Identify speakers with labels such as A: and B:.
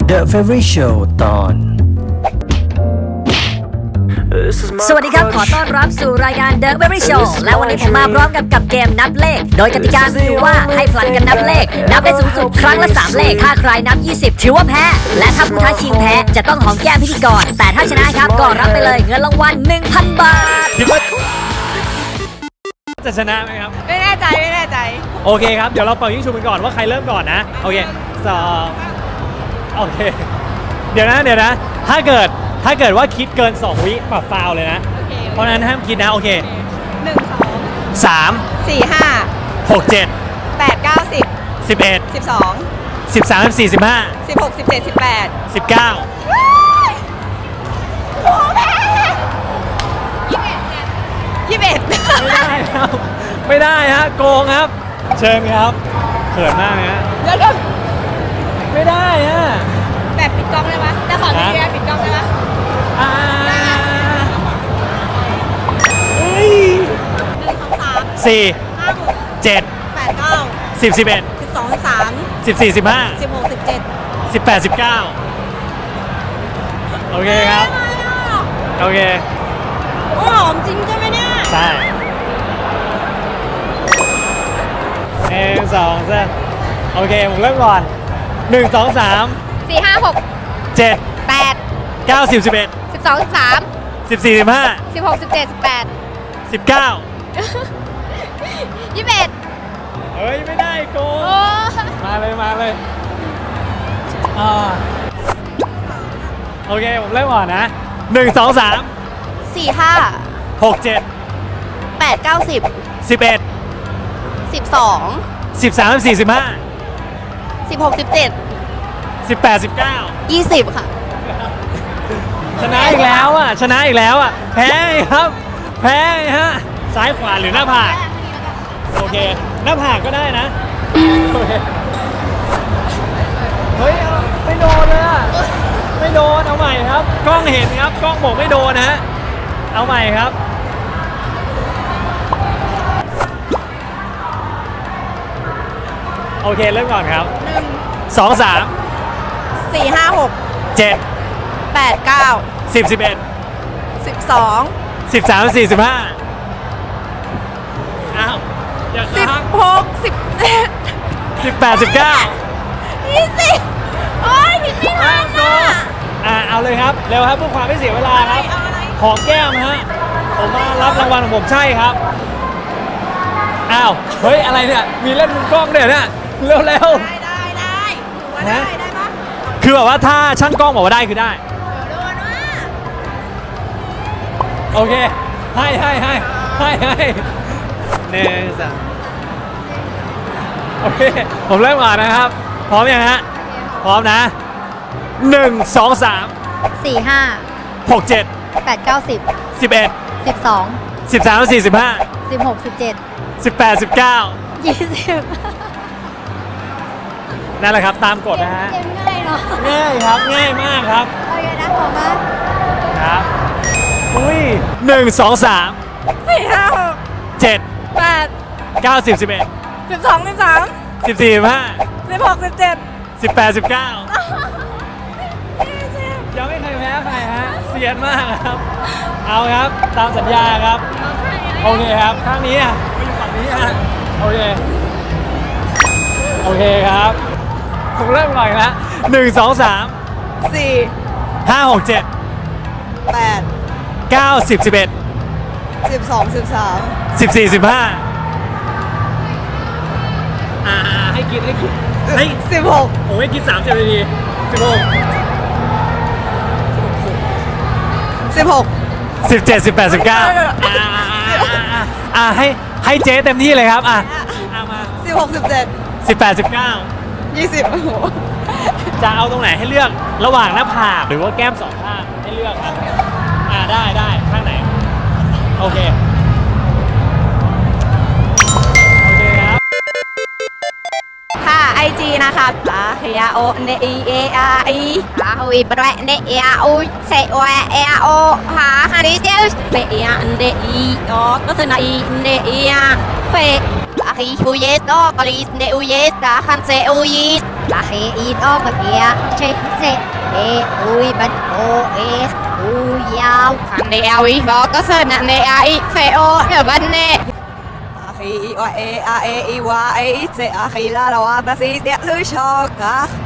A: The Favorite Show ตอน
B: สวัสดีครับขอต้อนรับสู่รายการ The Very Show และวันนี้ผมมาพร้อมกับเกมนับเลขโดยกติกาคือว่าให้ผลัดกันนับเลขนับได้สูงสุดครั้งละ3เลขถ้าใครนับ20ถือว่าแพ้และถ้าผู้ท้าชิงแพ้จะต้องหอมแก้มพิธีกรแต่ถ้าชนะครับก็รับไปเลยเงินรางวัล 1,000 บาท
C: คิดว่าจะชนะไหมครับ
D: ไม่แน่ใจ
C: โอเคครับเดี๋ยวเราเป่ายิงฉุบกันก่อนว่าใครเริ่มก่อนนะโอเค2โอเคเดี๋ยวนะถ้าเกิดว่าคิดเกิน2วิปรับฟาวเลยนะเพราะนั้นห้ามคิดนะโอเค
D: 1 2
C: 3
D: 4 5
C: 6 7
D: 8 9 10
C: 11
D: 12
C: 13 14 15
D: 16 17 18
C: 19ไม่ได้ฮะโกงครับเชิญครับเขินมากฮะ
D: แล้วก็
C: ไม่ได้ฮะ
D: แบบปิดกล้องได้ไหมแต่ขอทีเดียวปิดกล้องได้ไหม
C: 4 7
D: 8 9
C: 10 11
D: 12 13
C: 14 15
D: 16 17
C: 18 19โอเคครับโอเค
D: หอมจริงใช่ไหมเนี่ย
C: ใช่1 2 3โอเคผมเริ่มก่อน1 2 3
D: 4 5 6
C: 7
D: 8
C: 9 10 11
D: 12 13
C: 14 15
D: 16 17 18
C: 19
D: 21
C: เฮ้ยไม่ได้โกงมาเลยโอเคผมเริ่มก่อนนะ1 2 3
D: 4 5
C: 6 7
D: 8 9 10
C: 11
D: 12
C: 13 14 15
D: 16 17
C: 18 19
D: 20ค่ะ
C: ชนะอีกแล้วแพ้ครับแพ้ฮะซ้ายขวาหรือหน้าผากโอเคหน้าผากก็ได้นะโอเคเฮ้ยไม่โดนเลยอะไม่โดนเอาใหม่ครับกล้องเห็นครับกล้องบอกไม่โดนนะฮะเอาใหม่ครับโอเคเริ่มก่อนครับ2 3
D: 4 5 6
C: 7
D: 8 9
C: 10 11
D: 12
C: 13 14 15อ้าวอย่าค้าง
D: 16 17
C: 18 19
D: 20โอ้ยผิดไม่ทันอ่ะ
C: เอาเลยครับเร็วครับเพื่อความไม่เสียเวลาครับหอมแก้มฮะผมมารับรางวัลของผมใช่ครับอ้าวเฮ้ยอะไรเนี่ยมีเล่นมุมกล้องด้วยเนี่ยเร็ว
D: ได้ถือว่าได้ปะ
C: คือแบบว่าถ้าช่างกล้องบอกว่าได้คือได้
D: โดนว่า
C: โอเคให้1 2โอเคผมเริ่มก่อนนะครับพร้อมยังฮะพร้อมนะ1 2 3
D: 4 5
C: 6 7
D: 8 9 10
C: 11
D: 12
C: 13 14 15
D: 16 17
C: 18 19
D: 20
C: นั่นแหละครับตามกฎนะฮะ
D: เกมง่ายเนาะ
C: ง่ายครับง่ายมากครับ
D: โอเคนะผมมา
C: ครับอุ้ย1 2 3
D: 4 5 6
C: 7
D: 8
C: 9 10 11
D: 12 13
C: 14 15
D: 16 17
C: 18 19ยังไม่เคยแพ้ใครฮะเซียนมากครับเอาครับตามสัญญาครับโอเคครับข้างนี้อ่ะไปอยู่ฝั่งนี้อ่ะโอเคครับผมเริ่มก่อนนะ1 2 3
D: 4
C: 5 6 7
D: 8
C: 9 10 11
D: 12 13
C: 14 15ให้คิด
D: 16
C: ผมให้คิด30 นาที
D: 16
C: 17 18 19ให้เจ๊เต็มที่เลยครับมา
D: 16 17
C: 18 19
D: 20
C: จะเอาตรงไหนให้เลือกระหว่างหน้าผากหรือว่าแก้มสองข้างให้เลือกครับได้ข้างไหนโอเคครับ
D: ค่ะ IG นะคะเฮียโอเนเอไอฮุยแบรเนเอโอเซโอเอโอฮาฮาริเซลเฟยเนอีโอก็คือนาอีเนเอเฟอาฮิฮูเยสโอปาริสเนอุเยสดาคันเซอุยิส là khi ít đó mà kia chết chết ê ui bật ô ê ui yao thằng này ao ý đó có sơn nè này ai phê ô ở bên nè khi oa e a e i wa e se a khi la la wa ba si te lu cho ka